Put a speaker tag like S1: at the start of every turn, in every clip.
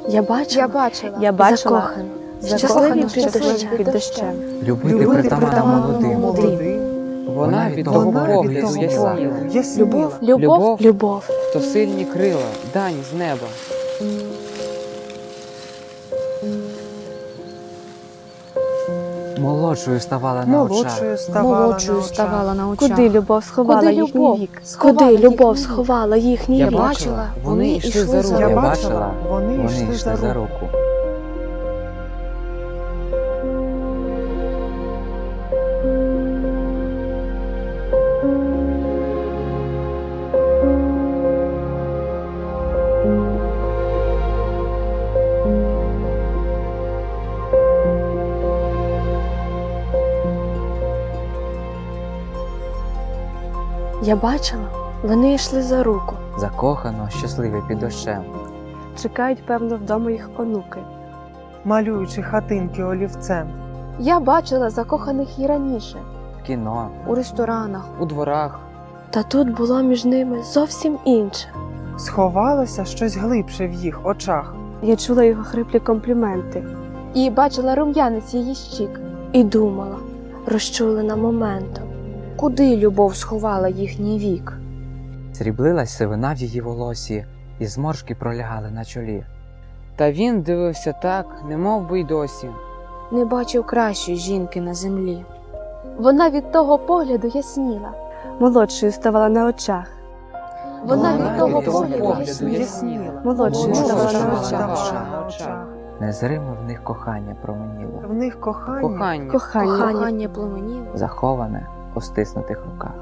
S1: Я бачила,
S2: Я бачила
S1: щасливі
S2: щасливі під дощем.
S3: Любити притаманно молодим. Вона від того погляду ясніла.
S1: Любов.
S3: То сильні крила, дань з неба. Молодшою ставала на очах.
S4: Молодшою ставала на очах.
S2: Куди любов сховала
S1: Куди
S2: їхній
S1: любов?
S2: вік?
S1: Куди любов сховала їхній
S3: Я
S1: вік?
S3: бачила, вони йшли за руку.
S4: Я
S3: Я
S4: бачила,
S3: бачила, вони йшли за руку.
S1: Я бачила, вони йшли за руку.
S3: Закохано, щасливі під дощем.
S2: Чекають, певно, вдома їх онуки.
S4: малюючи хатинки олівцем.
S1: Я бачила закоханих і раніше,
S3: В кіно,
S1: у ресторанах.
S3: у дворах.
S1: Та тут було між ними зовсім інше.
S4: Сховалося щось глибше в їх очах.
S2: Я чула його хриплі компліменти.
S1: І бачила рум'янець її щік. І думала, розчулена моментом, куди любов сховала їхній вік.
S3: Сріблилась сивина в її волосі, і зморшки пролягали на чолі. Та він дивився так, немов би й досі.
S1: Не бачив кращої жінки на землі. Вона від того погляду ясніла.
S2: Молодшою ставала на очах.
S1: Вона від того
S3: погляду
S1: погляду
S3: ясніла.
S1: ясніла.
S2: Молодшою ставала на очах.
S4: ставала на очах.
S3: Незримо в них кохання променіло,
S4: В них кохання.
S2: Кохання.
S1: пламеніло.
S3: заховане у стиснутих руках.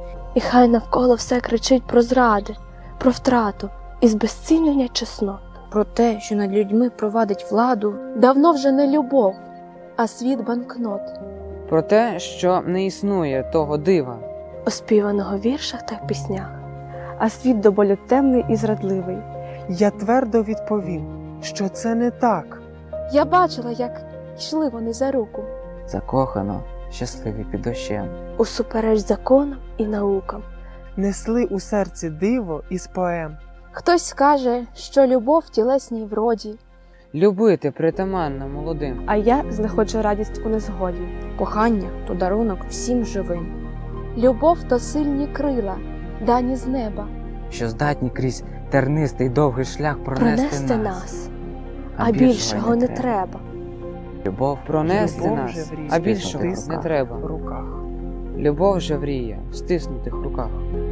S1: І хай навколо все кричить про зради, про втрату і збезцінення чеснот. Про те, що над людьми провадить владу, давно вже не любов, а світ банкнот,
S3: Про те, що не існує того дива,
S1: оспіваного в віршах та піснях.
S2: А світ до болю темний і зрадливий.
S4: Я твердо відповім, що це не так.
S1: Я бачила, як йшли вони за руку,
S3: закохано, щасливі під дощем.
S1: усупереч законам і наукам.
S4: Несли у серці диво із поем.
S1: Хтось скаже, що любов в тілесній вроді,
S3: Любити притаманно молодим.
S2: А я знаходжу радість у незгоді.
S1: кохання то дарунок всім живим. Любов то сильні крила, дані з неба,
S3: Що здатні крізь тернистий довгий шлях
S1: пронести нас, а більшого не треба.
S3: Любов пронести
S4: Любов
S3: нас,
S4: же в різних
S3: а більшого не
S4: стисках
S3: треба.
S4: в руках.
S3: Любов же вріє в стиснутих руках.